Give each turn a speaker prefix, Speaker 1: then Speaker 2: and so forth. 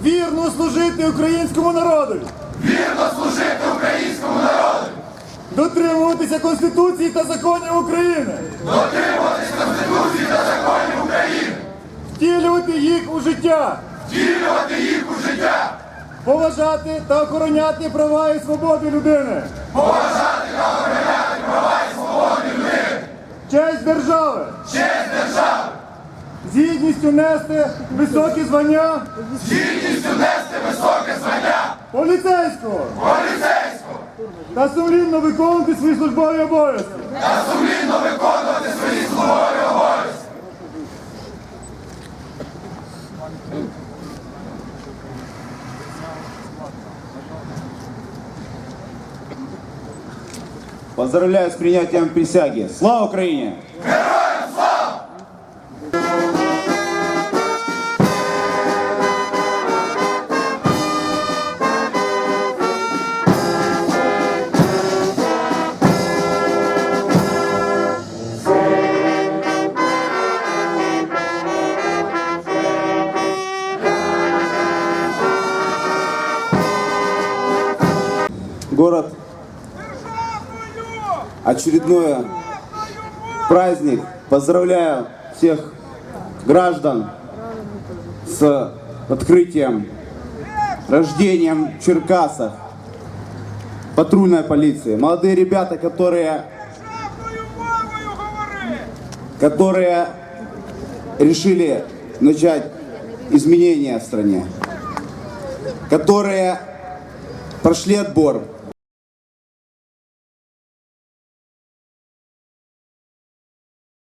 Speaker 1: вірно служити українському народу,
Speaker 2: вірно служити українському народу,
Speaker 1: дотримуватися Конституції та законів України,
Speaker 2: дотримуватись Конституції та законів України,
Speaker 1: втілювати їх у життя,
Speaker 2: втілювати їх у життя,
Speaker 1: поважати та охороняти права і свободи людини,
Speaker 2: поважати та охороняти права і свободи людини,
Speaker 1: честь держави,
Speaker 2: честь держави,
Speaker 1: з гідністю нести високі звання
Speaker 2: з гідністю нести високе звання
Speaker 1: поліцейського
Speaker 2: поліцейського
Speaker 1: та сумлінно виконувати свої службові обов'язки.
Speaker 2: та сумлінно виконувати свої службові обов'язки.
Speaker 3: Поздравляю с принятием присяги. Слава Украине!
Speaker 2: Героям слава!
Speaker 3: Город, очередной праздник. Поздравляю всех граждан с открытием, рождением в Черкасах патрульной полиции. Молодые ребята, которые решили начать изменения в стране, которые прошли отбор,